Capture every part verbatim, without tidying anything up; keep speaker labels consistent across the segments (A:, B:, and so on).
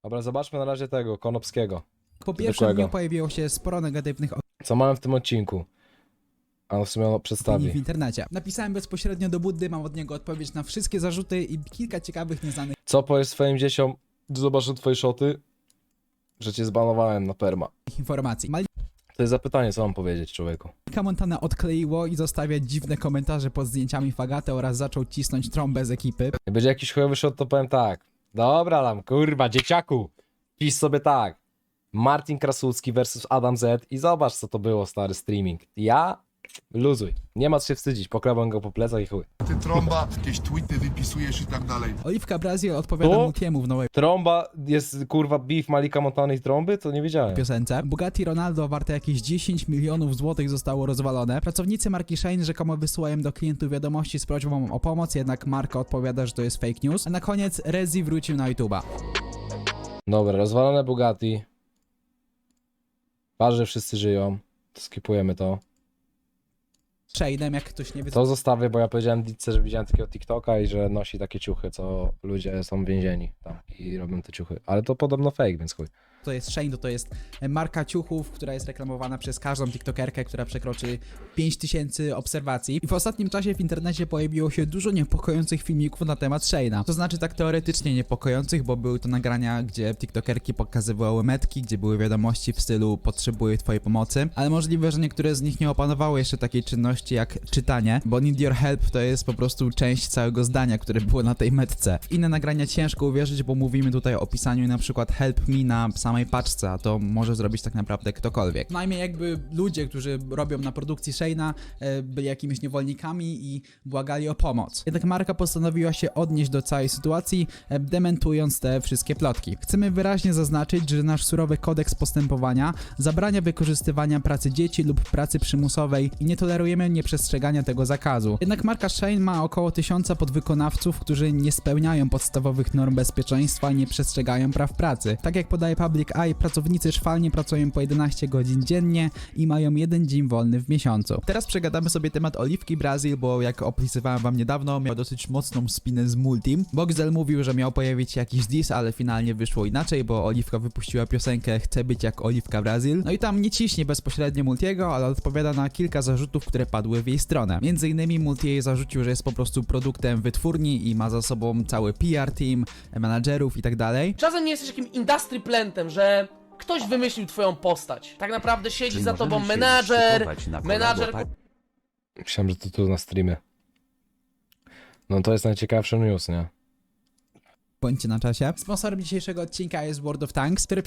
A: Dobra, zobaczmy na razie tego, Konopskiego.
B: Po pierwszym
A: Zwykłego.
B: dniu pojawiło się sporo negatywnych
A: Co mamy w tym odcinku? A on w sumie ono
B: opinii w
A: przedstawi.
B: internecie. Napisałem bezpośrednio do Buddy, mam od niego odpowiedź na wszystkie zarzuty i kilka ciekawych, nieznanych
A: Co powiesz swoim dzieciom, gdy zobaczą twoje szoty? Że cię zbanowałem na perma.
B: informacji.
A: To jest zapytanie, co mam powiedzieć człowieku.
B: Malika Montana odkleiło i zostawia dziwne komentarze pod zdjęciami Fagaty oraz zaczął cisnąć trąbę z ekipy.
A: Jak będzie jakiś chujowy shot, to powiem tak. Dobra tam, kurwa, dzieciaku. Pisz sobie tak. Martin Krasucki versus Adam Z i zobacz, co to było, stary streaming. Ja? Luzuj. Nie ma co się wstydzić, pokrawam go po plecach i chuj.
C: Ty trąba, jakieś tweety wypisujesz i tak dalej.
B: Oliwka Brazil odpowiada
A: O!
B: Multiemu w nowej
A: Trąba jest, kurwa, beef Malika Montana i trąby? To nie wiedziałem.
B: piosence. Bugatti Ronaldo warte jakieś dziesięć milionów złotych zostało rozwalone. Pracownicy marki Shein rzekomo wysyłają do klientów wiadomości z prośbą o pomoc, jednak marka odpowiada, że to jest fake news. A na koniec Rezi wrócił na YouTube'a.
A: Dobra, rozwalone Bugatti. Ważne, że wszyscy żyją. To skipujemy to.
B: Sheinem, jak ktoś nie wie,
A: To zostawię, bo ja powiedziałem Ditce, że widziałem takiego TikToka i że nosi takie ciuchy, co ludzie są więzieni tam i robią te ciuchy. Ale to podobno fake, więc chuj.
B: to jest Shein, to, to jest marka ciuchów, która jest reklamowana przez każdą tiktokerkę, która przekroczy pięć tysięcy obserwacji. I w ostatnim czasie w internecie pojawiło się dużo niepokojących filmików na temat Sheina. To znaczy tak teoretycznie niepokojących, bo były to nagrania, gdzie tiktokerki pokazywały metki, gdzie były wiadomości w stylu potrzebuję twojej pomocy, ale możliwe, że niektóre z nich nie opanowały jeszcze takiej czynności jak czytanie, bo need your help to jest po prostu część całego zdania, które było na tej metce. W inne nagrania ciężko uwierzyć, bo mówimy tutaj o pisaniu na przykład help me na samej paczce, a to może zrobić tak naprawdę ktokolwiek. Najmniej jakby ludzie, którzy robią na produkcji Sheina, e, byli jakimiś niewolnikami i błagali o pomoc. Jednak marka postanowiła się odnieść do całej sytuacji, e, dementując te wszystkie plotki. Chcemy wyraźnie zaznaczyć, że nasz surowy kodeks postępowania zabrania wykorzystywania pracy dzieci lub pracy przymusowej i nie tolerujemy nieprzestrzegania tego zakazu. Jednak marka Shein ma około tysiąca podwykonawców, którzy nie spełniają podstawowych norm bezpieczeństwa i nie przestrzegają praw pracy. Tak jak podaje Public Eye, pracownicy szwalnie pracują po jedenaście godzin dziennie i mają jeden dzień wolny w miesiącu. Teraz przegadamy sobie temat Oliwki Brazil, bo jak opisywałem wam niedawno, miał dosyć mocną spinę z Multim. Boxel mówił, że miał pojawić się jakiś diss, ale finalnie wyszło inaczej, bo Oliwka wypuściła piosenkę Chcę być jak Oliwka Brazil. No i tam nie ciśnie bezpośrednio Multiego, ale odpowiada na kilka zarzutów, które padły w jej stronę. Między innymi Multi jej zarzucił, że jest po prostu produktem wytwórni i ma za sobą cały P R team, menadżerów i tak dalej.
D: Czasem nie jesteś takim industry plantem, że ktoś wymyślił twoją postać. Tak naprawdę siedzi
E: Czy
D: za tobą
E: możemy się
D: menadżer,
E: szykować na kolabo,
D: menadżer
E: tak?
A: Myślałem, że to tu na streamie. No to jest najciekawszy news, nie?
B: Bądźcie na czasie. Sponsorem dzisiejszego odcinka jest World of Tanks, który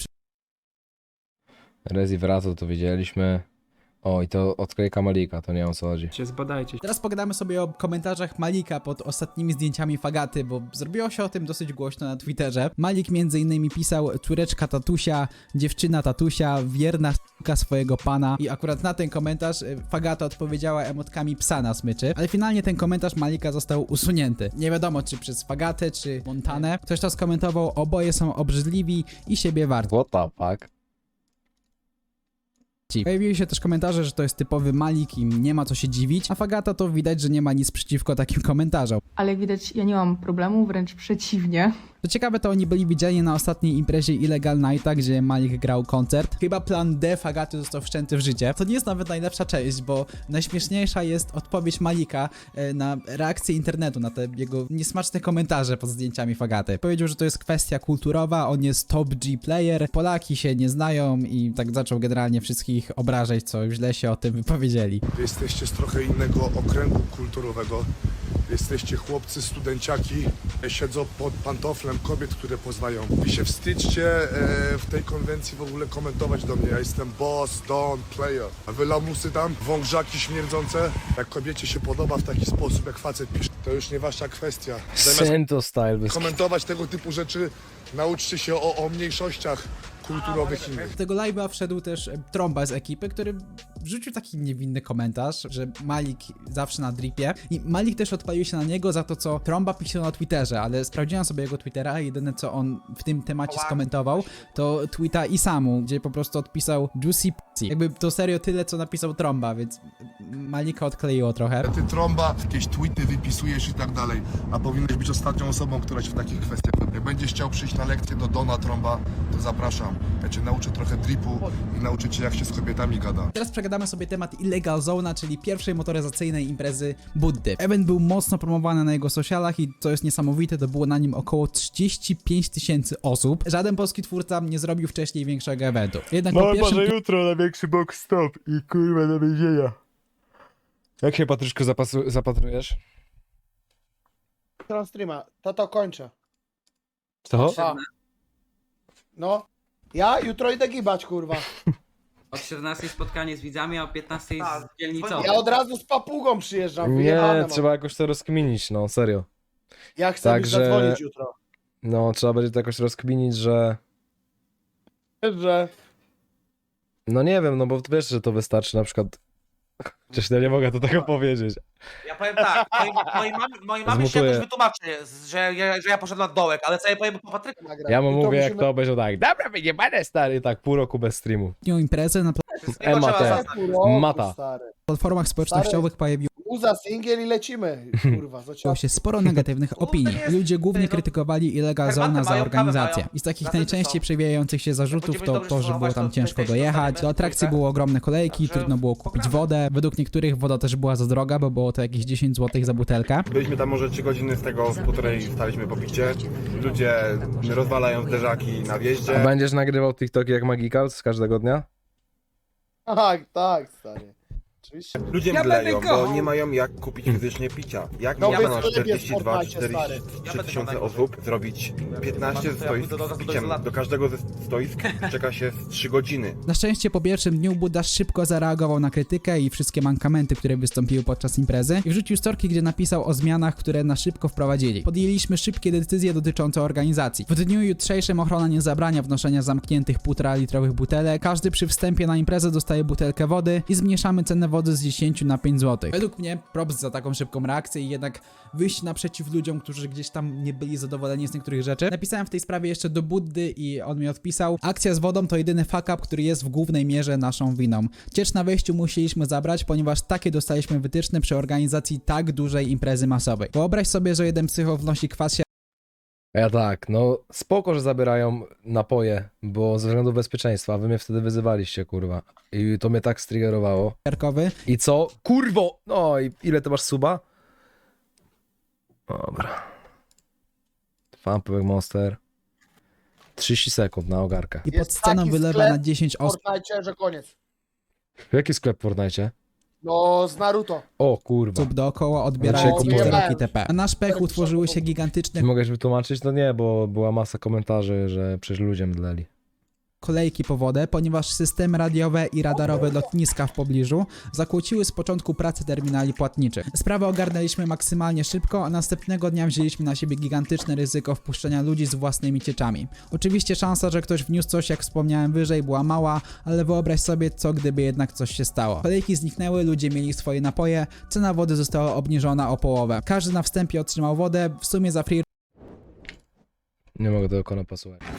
A: Rezi wraca, to widzieliśmy. O, i to odklejka Malika, to nie wiem o co chodzi.
F: Cię zbadajcie.
B: Teraz pogadamy sobie o komentarzach Malika pod ostatnimi zdjęciami Fagaty, bo zrobiło się o tym dosyć głośno na Twitterze. Malik między innymi pisał córeczka tatusia, dziewczyna tatusia, wierna s**ka swojego pana i akurat na ten komentarz y, Fagata odpowiedziała emotkami psa na smyczy, ale finalnie ten komentarz Malika został usunięty. Nie wiadomo czy przez Fagatę, czy Montanę. Ktoś to skomentował, oboje są obrzydliwi i siebie warci.
A: What the fuck?
B: Pojawiły się też komentarze, że to jest typowy Malik i nie ma co się dziwić, a Fagata to widać, że nie ma nic przeciwko takim komentarzom.
G: Ale jak widać, ja nie mam problemu, wręcz przeciwnie.
B: Co ciekawe, to oni byli widziani na ostatniej imprezie Illegal Nighta, gdzie Malik grał koncert. Chyba plan D Fagaty został wszczęty w życie. To nie jest nawet najlepsza część, bo najśmieszniejsza jest odpowiedź Malika e, na reakcję internetu, na te jego niesmaczne komentarze pod zdjęciami Fagaty. Powiedział, że to jest kwestia kulturowa, on jest top G player, Polaki się nie znają i tak zaczął generalnie wszystkich obrażać, co źle się o tym wypowiedzieli.
C: Wy jesteście z trochę innego okręgu kulturowego. Jesteście chłopcy, studenciaki, siedzą pod pantoflem kobiet, które poznają. Wy się wstydźcie e, w tej konwencji w ogóle komentować do mnie. Ja jestem boss, don, player. A wy lamusy tam, wągrzaki śmierdzące. Jak kobiecie się podoba w taki sposób, jak facet pisze, to już nie wasza kwestia. Zamiast
A: Sento style. Bez...
C: komentować tego typu rzeczy, nauczcie się o, o mniejszościach kulturowych innych.
B: Do tego live'a wszedł też e, Trąba z ekipy, który wrzucił taki niewinny komentarz, że Malik zawsze na dripie i Malik też odpalił się na niego za to, co Tromba pisał na Twitterze, ale sprawdziłem sobie jego Twittera i jedyne, co on w tym temacie skomentował, to tweeta Isamu, gdzie po prostu odpisał Juicy Pussy. Jakby to serio tyle, co napisał Tromba, więc Malika odkleiło trochę.
C: Ty trąba, jakieś tweety wypisujesz i tak dalej, a powinieneś być ostatnią osobą, która się w takich kwestiach... Jak będziesz chciał przyjść na lekcję do Dona Trąba, to zapraszam. Ja cię nauczę trochę dripu i nauczę cię, jak się z kobietami gada.
B: Teraz przegadamy sobie temat Illegal Zona, czyli pierwszej motoryzacyjnej imprezy Buddy. Event był mocno promowany na jego socialach i co jest niesamowite, to było na nim około trzydzieści pięć tysięcy osób. Żaden polski twórca nie zrobił wcześniej większego eventu. Jednak po pierwszym
A: jutro na większy box stop i kurwa do więzienia. Jak się, Patryszko, zapasu- zapatrujesz?
E: Stron streama, to to kończę.
A: Co?
E: A. No, ja jutro idę gibać, kurwa.
F: Od czternastej spotkanie z widzami, a o piętnastej z dzielnicą.
E: Ja od razu z papugą przyjeżdżam,
A: Nie,
E: wyjebane mam.
A: trzeba jakoś to rozkminić, no serio.
E: Ja chcę mi
A: Także-
E: zadzwonić jutro.
A: No, trzeba będzie to jakoś rozkminić, że...
E: Że...
A: No nie wiem, no bo wiesz, że to wystarczy na przykład... Przecież ja nie mogę to tego powiedzieć.
H: Ja powiem tak, mojej, mojej mamie, mojej mamie się
A: Zmutuję.
H: jakoś wytłumaczy, że ja, że ja poszedłem na dołek, ale co ja powiem po Patryku?
E: nagrać.
A: Ja mu
E: Jutro
A: mówię, jak
E: musimy-
A: to obejrzał tak. Dobra, wyjebane stary, tak pół roku bez streamu.
B: dniu imprezy na
H: Wszystkiego
A: Ema
H: trzeba
A: te.
H: zaznać.
E: Pół roku,
A: Mata.
E: stary.
B: platformach społecznościowych pojawiło
E: Uza singiel i lecimy, kurwa, co
B: się sporo negatywnych opinii. Ludzie głównie krytykowali Illegal
H: Herbatę
B: Zona za
H: mają, kawę
B: organizację.
H: mają.
B: I z takich
H: Gazety
B: najczęściej
H: są.
B: przewijających się zarzutów to to, że było tam ciężko dojechać. Do atrakcji były ogromne kolejki,
H: Także
B: trudno było kupić
H: poprawy.
B: wodę. Według niektórych woda też była za droga, bo było to jakieś dziesięć złotych za butelkę.
I: Byliśmy tam może trzy godziny, z tego w półtorej staliśmy po picie. Ludzie rozwalają zderzaki na
A: A
I: wjeździe.
A: będziesz nagrywał TikToki jak Magical z każdego dnia?
E: Tak, tak, stary. Oczywiście.
I: Ludzie
F: Ja
I: mdleją,
F: będę kochał.
I: bo nie mają jak kupić fizycznie picia. Jak
E: No,
I: można
E: wy
I: na
E: sobie
I: czterdzieści dwa
E: sportajcie, stary.
I: czterdzieści
H: Ja
I: trzy
H: będę
I: tysiące
H: miał
I: osób zrobić piętnaście
H: Ja
I: stoisk
H: pójdę do-
I: z
H: do
I: piciem?
H: izolacji.
I: Do każdego ze stoisk czeka się z trzy godziny.
B: Na szczęście po pierwszym dniu Buddha szybko zareagował na krytykę i wszystkie mankamenty, które wystąpiły podczas imprezy i wrzucił storki, gdzie napisał o zmianach, które na szybko wprowadzili. Podjęliśmy szybkie decyzje dotyczące organizacji. W dniu jutrzejszym ochrona nie zabrania wnoszenia zamkniętych półtora litrowych butelek. Każdy przy wstępie na imprezę dostaje butelkę wody i zmniejszamy cenę wody z dziesięć na pięć złotych. Według mnie props za taką szybką reakcję i jednak wyjść naprzeciw ludziom, którzy gdzieś tam nie byli zadowoleni z niektórych rzeczy. Napisałem w tej sprawie jeszcze do Buddy i on mi odpisał: akcja z wodą to jedyny fuck up, który jest w głównej mierze naszą winą. Ciecz na wejściu musieliśmy zabrać, ponieważ takie dostaliśmy wytyczne przy organizacji tak dużej imprezy masowej. Wyobraź sobie, że jeden psycho wnosi kwas
A: A ja tak, no spoko, że zabierają napoje, bo ze względu bezpieczeństwa, a wy mnie wtedy wyzywaliście, kurwa. I to mnie tak striggerowało.
B: siarkowy.
A: I co? Kurwo! No i ile ty masz suba? Dobra. Fampek Monster. trzydzieści sekund na ogarkę.
B: I pod
E: Jest
B: sceną
E: taki
B: wylewa
E: sklep
B: na dziesięć
E: W
B: osób.
E: Fortnite, że koniec.
A: Jaki sklep w Fortnite?
E: No, z Naruto.
A: O kurwa.
B: osób dookoła odbierają
A: No,
B: komputerki
E: wyjebałem.
B: itp. A na szpechu utworzyły się gigantyczne
A: Ty mogłeś wytłumaczyć? No nie, bo była masa komentarzy, że przecież ludzie mdleli.
B: kolejki po wodę, ponieważ systemy radiowe i radarowe lotniska w pobliżu zakłóciły z początku pracy terminali płatniczych. Sprawę ogarnęliśmy maksymalnie szybko, a następnego dnia wzięliśmy na siebie gigantyczne ryzyko wpuszczenia ludzi z własnymi cieczami. Oczywiście szansa, że ktoś wniósł coś, jak wspomniałem wyżej, była mała, ale wyobraź sobie, co gdyby jednak coś się stało. Kolejki zniknęły, ludzie mieli swoje napoje, cena wody została obniżona o połowę. Każdy na wstępie otrzymał wodę, w sumie za free
A: Nie mogę tego kona posłuchać.